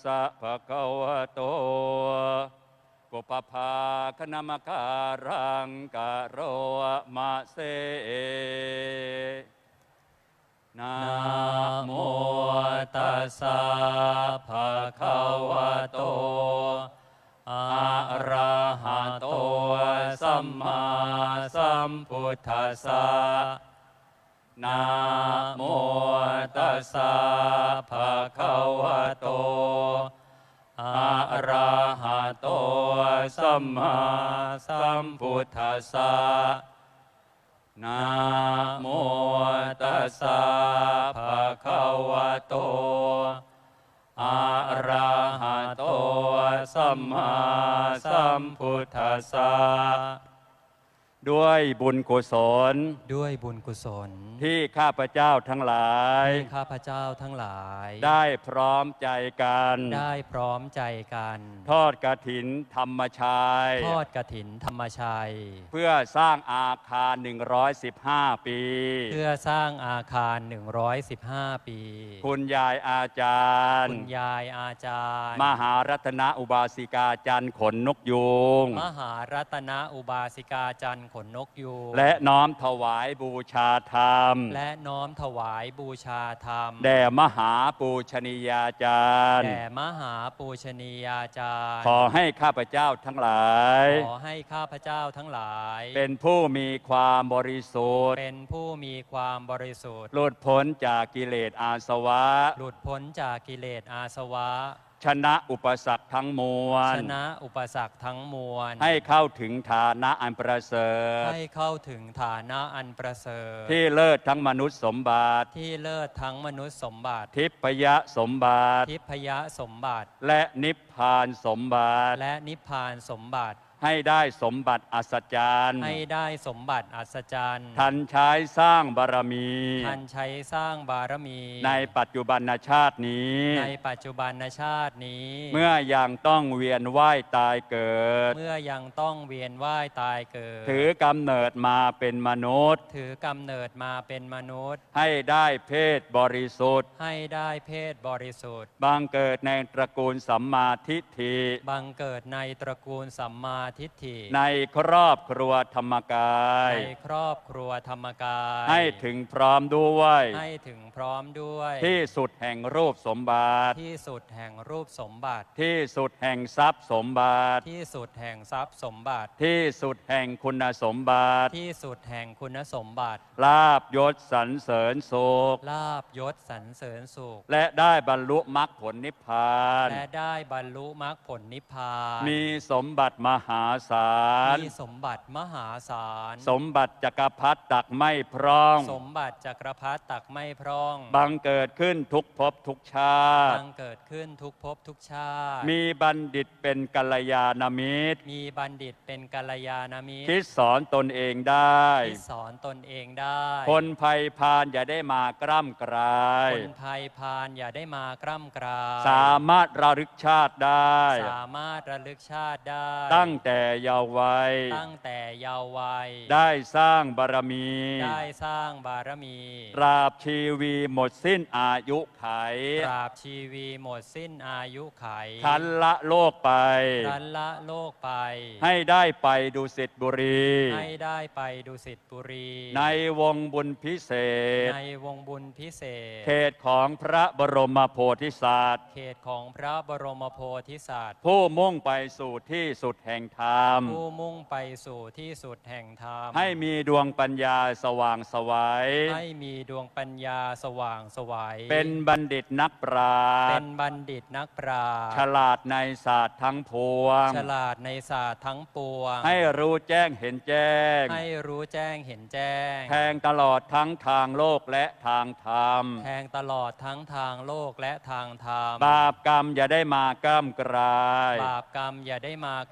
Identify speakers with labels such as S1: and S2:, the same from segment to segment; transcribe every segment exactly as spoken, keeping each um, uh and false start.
S1: สะภะคะวะโตปุปภาคณมการังกะโรมะเสนะโมตัสสะภะคะวะโตอะระหะโตสัมมาสัมพุทธัสสะนะโมตัสสะภะคะวะโตอะระหะโตสัมมาสัมพุทธัสสะนะโมตัสสะภะคะวะโตอะระหะโตสัมมาสัมพุทธัสสะด้วยบุญกุศล
S2: ด้วยบุญกุศล
S1: ที่ข้าพเจ้าทั้งหลาย
S2: ที่ข้าพเจ้าทั้งหลาย
S1: ได้พร้อมใจกัน
S2: ได้พร้อมใจกัน
S1: ทอดกฐินธรรมชัย
S2: ทอดกฐินธรรมชัย
S1: เพื่อสร้างอาคารหนึ่งร้อยสิบห้าปี
S2: เพื่อสร้างอาคารหนึ่งร้อยสิบห้าปี
S1: คุณยายอาจารย์
S2: คุณยายอาจารย์
S1: มหารัตนอุบาสิกาจันทร์ขนนกยูง
S2: มหารัตนอุบาสิกาจันทร์ขนนกยูง
S1: และน้อมถวายบูชาธรรม
S2: และน้อมถวายบูชาธรรม
S1: แด่มหาปูชนียาจารย์
S2: แด่มหาปูชนียาจารย์
S1: ขอให้ข้าพเจ้าทั้งหลาย
S2: ขอให้ข้าพเจ้าทั้งหลาย
S1: เป็นผู้มีความบริสุทธิ์
S2: เป็นผู้มีความบริสุทธิ์
S1: หลุดพ้นจากกิเลสอาสวะ
S2: หลุดพ้นจากกิเลสอาสวะ
S1: ชนะอุปสรรคทั้งมวล
S2: ชนะอุปสรรคทั้งมวล
S1: ให้เข้าถึงฐานะอันประเสริฐ
S2: ให้เข้าถึงฐานะอันประเสริฐ
S1: ที่เลิศทั้งมนุษย์สมบัติ
S2: ที่เลิศทั้งมนุษย์สมบัติ
S1: ทิพยสมบัติ
S2: ทิพยสมบัติ
S1: และนิพพานสมบัติ
S2: และนิพพานสมบัติ
S1: ให้ได้สมบัติอัศจรรย์
S2: ให้ได้สมบัติอัศจรรย์
S1: ทันใช้สร้างบารมี
S2: ทันใช้สร้างบารมี
S1: ในปัจจุบันชาตินี้
S2: ในปัจจุบันชาตินี้
S1: เมื่อยังต้องเวียนว่ายตายเกิด
S2: เมื่อยังต้องเวียนว่ายตายเกิด
S1: ถือกำเนิดมาเป็นมนุษย์
S2: ถือกำเนิดมาเป็นมนุษย์
S1: ให้ได้เพศบริสุทธิ์
S2: ให้ได้เพศบริสุทธิ์
S1: บังเกิดในตระกูลสัมมาทิฏฐิ
S2: บังเกิดในตระกูลสัมมาทิฏฐิ
S1: ในครอบครัวธรรมกาย
S2: ในครอบครัวธรรมกาย
S1: ให้ถึงพร้อมด้วย
S2: ให้ถึงพร้อมด้วย
S1: ที่สุดแห่งรูปสมบัติ
S2: ที่สุดแห่งรูปสมบัติ
S1: ที่สุดแห่งทรัพย์สมบัติ
S2: ที่สุดแห่งทรัพย์สมบัติ
S1: ที่สุดแห่งคุณสมบัติ
S2: ที่สุดแห่งคุณสมบัติ
S1: ลาภยศสรรเสริญสุข
S2: ลาภยศสรรเสริญสุข
S1: และได้บรรลุมรรคผลนิพพาน
S2: และได้บรรลุมรรคผลนิพพาน
S1: มีสมบัติมหาศาล
S2: มีสมบัติมหาศาล
S1: สมบัติจักรพรรดิตักไม่พร่อง
S2: สมบัติจักรพรรดิตักไม่พร่อง
S1: บังเกิดขึ้นทุกภพทุกชาติ
S2: บังเกิดขึ้นทุกภพทุกชาติ
S1: มีบัณฑิตเป็นกัลยาณมิตร
S2: มีบัณฑิตเป็นกัลยาณมิตร
S1: คิดสอนตนเองได้
S2: คิดสอนตนเองได้
S1: คนภัยพานอย่าได้มากร่ำกราย
S2: คนภัยพานอย่าได้มากร่ำกราย
S1: สามารถระลึกชาติได้
S2: สามารถระลึกชาติได้
S1: ตั้งแต่เยาว์วัย
S2: ตั้งแต่เยาว์วัย
S1: ได้สร้างบารมี
S2: ได้สร้างบารมี
S1: ตราบชีวีหมดสิ้นอายุไข
S2: ตราบชีวีหมดสิ้นอายุไข
S1: ทันละโลกไป
S2: ทันละโลกไป
S1: ให้ได้ไปดุสิตบุรี
S2: ให้ได้ไปดุสิตบุรี
S1: ในวงบุญพิเศษ
S2: ในวงบุญพิเศษ
S1: เขตของพระบรมโพธิสัตว์
S2: เขตของพระบรมโพธิสัตว์
S1: ผู้มุ่งไปสู่ที่สุดแห่งธรรม
S2: ผู้มุ่งไปสู่ที่สุดแห่งธรรม
S1: ให้มีดวงปัญญาสว่างไสว
S2: ให้มีดวงปัญญาสว่างไสว
S1: เป็นบัณฑิตนักปราชญ์
S2: เป็นบัณฑิตนักปราชญ์
S1: ฉลาดในศาสตร์ทั้งปวง
S2: ฉลาดในศาสตร์ทั้งปวง
S1: ให้รู้แจ้งเห็นแจ้ง
S2: ให้รู้แจ้งเห็นแจ้ง
S1: แทงตลอดทั้งทางโลกและทางธรรม
S2: แทงตลอดทั้งทางโลกและทางธรรม
S1: บาปกรรมอย่าได้มากล้ำกลาย
S2: บาปกรรมอย่าได้มากล้ำกล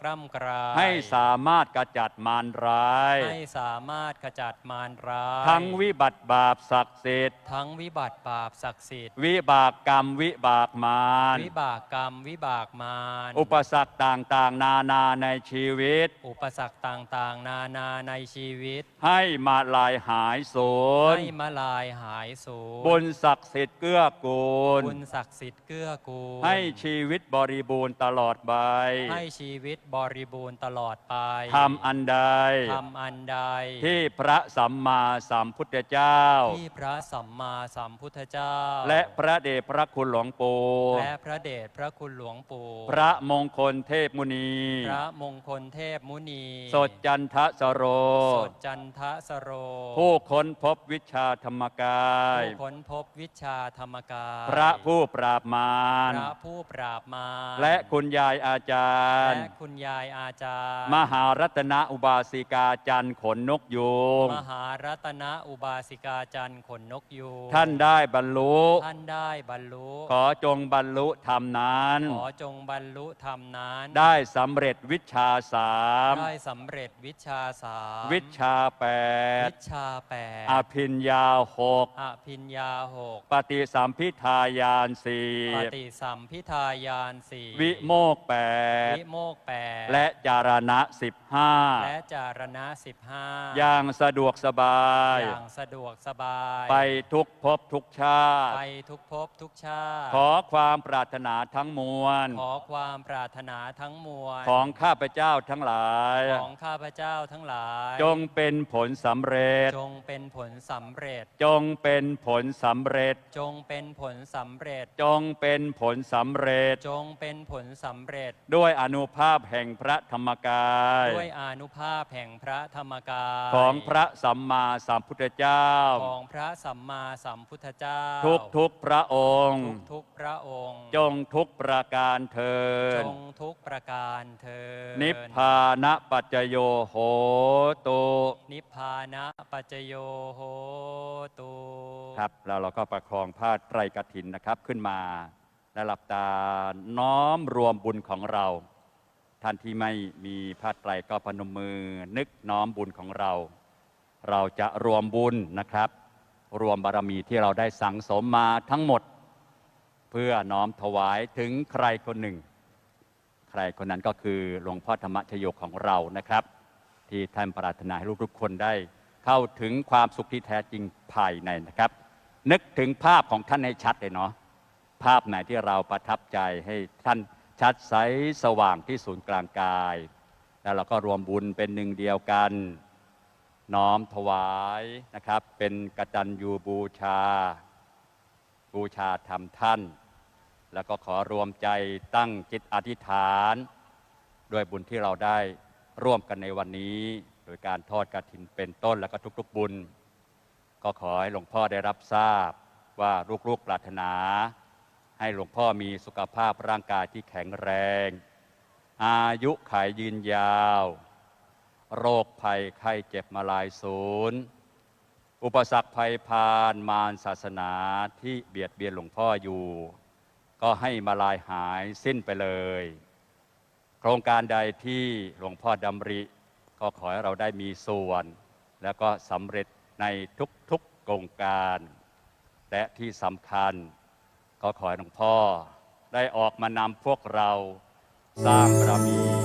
S2: ร้าย
S1: ให้สามารถกระจัดมารร้าย
S2: ให้สามารถขจัดมารร้าย
S1: ทั้งวิบัติบาปศักดิ์สิทธิ์
S2: ทั้งวิบัติบาปศักดิ์สิทธิ์
S1: วิบากกรรมวิบากมาร
S2: วิบากกรรมวิบากมาร
S1: อุปสรรคต่างๆ นานาในชีวิต
S2: อุปสรรคต่างๆ นานาในชีวิต
S1: ให้มาลายหายสูญ
S2: ให้มาลายหายสูญ
S1: บุญศักดิ์สิทธิ์เกื้อกูล
S2: บุญศักดิ์สิทธิ์เกื้อกูล
S1: ให้ชีวิตบริบูรณ์ตลอดไป
S2: ให้ชีวิตบริบูรณ์ตลอดไป
S1: ทำอันใด
S2: ทำอันใด
S1: ที่พระสัมมาสัมพุทธเจ้า
S2: ที่พระสัมมาสัมพุทธเจ้า
S1: และพระเดชพระคุณหลวงปู่
S2: และพระเดชพระคุณหลวงปู่
S1: พระมงคลเทพมุนี
S2: พระมงคลเทพมุนี
S1: สดจันทสโร
S2: สดจันทสโร
S1: ผู้ค้นพบวิชาธรรมกาย
S2: ผู้ค้นพบวิชาธรรมกาย
S1: พระผู้ปราบมาร
S2: พระผู้ปราบมาร
S1: และคุณยายอาจารย์
S2: และคุณยายอาจารย์
S1: มหารัตนอุบาสิกาจันทร์ขนนกยูง
S2: มหารัตนอุบาสิกาจันทร์ขนนกยูง
S1: ท่านได้บรรลุ
S2: ท่านได้บรรลุ
S1: ขอจงบรรลุธรรมนั้น
S2: ขอจงบรรลุธรรมนั้น
S1: ได้สำเร็จวิชาสาม
S2: ได้สำเร็จวิชาสาม
S1: วิชาแปด
S2: วิชาแปด
S1: อภิญญาหก
S2: อภิญญาหก
S1: ปฏิสัมพิทายานสี่
S2: ปฏิสัมพิทายานสี่
S1: วิโมกข์แปด
S2: วิโมกข์แปด
S1: และจารณะสิบห้า
S2: และจารณะสิบห้า
S1: อย่างสะดวกสบาย
S2: อย่างสะดวกสบาย
S1: ไปทุกภพทุกชาติ
S2: ไปทุกภพทุกชาติ
S1: ขอความปรารถนาทั้งมวล
S2: ขอความปรารถนาทั้งมวล
S1: ของข้าพเจ้าทั้งหลาย
S2: ของข้าพเจ้าทั้งหลาย
S1: จงเป็นผลสำเร็จ
S2: จงเป็นผลสำเร็จ
S1: จงเป็นผลสำเร็จ
S2: จงเป็นผลสำเร็จ
S1: จงเป็นผลสำเร็จ
S2: จงเป็นผลสำเร็จ
S1: ด้วยอนุภาพแห่งพระธรรมกาย
S2: ด้วยอานุภาพแห่งพระธรรมกาย
S1: ของพระสัมมาสัมพุทธเจ้า
S2: ของพระสัมมาสัมพุทธเจ้า
S1: ทุกทุกๆพระองค์
S2: ทุกทุกพระองค์
S1: จงทุกประการเทิ
S2: จ
S1: น
S2: งทุกประการเธอญ
S1: นิพพานะปัจจโยโหตุ
S2: นิพพานะปัจจโยโหตุ
S1: ครับแล้วเราก็ประคองผ้าไตรกฐินนะครับขึ้นมาและหลับตาน้อมรวมบุญของเรา ท่านที่ไม่มีผ้าไตรก็พนมมือนึกน้อมบุญของเรา เราจะรวมบุญนะครับ รวมบารมีที่เราได้สั่งสมมาทั้งหมด เพื่อน้อมถวายถึงใครคนหนึ่ง ใครคนนั้นก็คือหลวงพ่อธรรมชโยของเรานะครับ ที่ท่านปรารถนาให้ลูกทุกคนได้เข้าถึงความสุขที่แท้จริงภายในนะครับ นึกถึงภาพของท่านให้ชัดเลยเนาะภาพไหนที่เราประทับใจให้ท่านชัดใสสว่างที่ศูนย์กลางกาย แล้วเราก็รวมบุญเป็นหนึ่งเดียวกัน น้อมถวายนะครับ เป็นกตัญญูบูชา บูชาธรรมท่าน แล้วก็ขอรวมใจตั้งจิตอธิษฐานด้วยบุญที่เราได้ร่วมกันในวันนี้ โดยการทอดกฐินเป็นต้นแล้วก็ทุกๆบุญ ก็ขอให้หลวงพ่อได้รับทราบว่าลูกๆปรารถนา ให้หลวงพ่อมีสุขภาพร่างกายที่แข็งแรง อายุขัยยืนยาว โรคภัยไข้เจ็บมาลายศูนย์อุปสรรคภัยพานมารศาสนาที่เบียดเบียนหลวงพ่ออยู่ ก็ให้มาลายหายสิ้นไปเลย โครงการใดที่หลวงพ่อดำริ ก็ขอให้เราได้มีส่วน แล้วก็สำเร็จในทุกๆโครงการ และที่สำคัญ ก็ขอให้หลวงพ่อได้ออกมานำพวกเราสร้างบารมี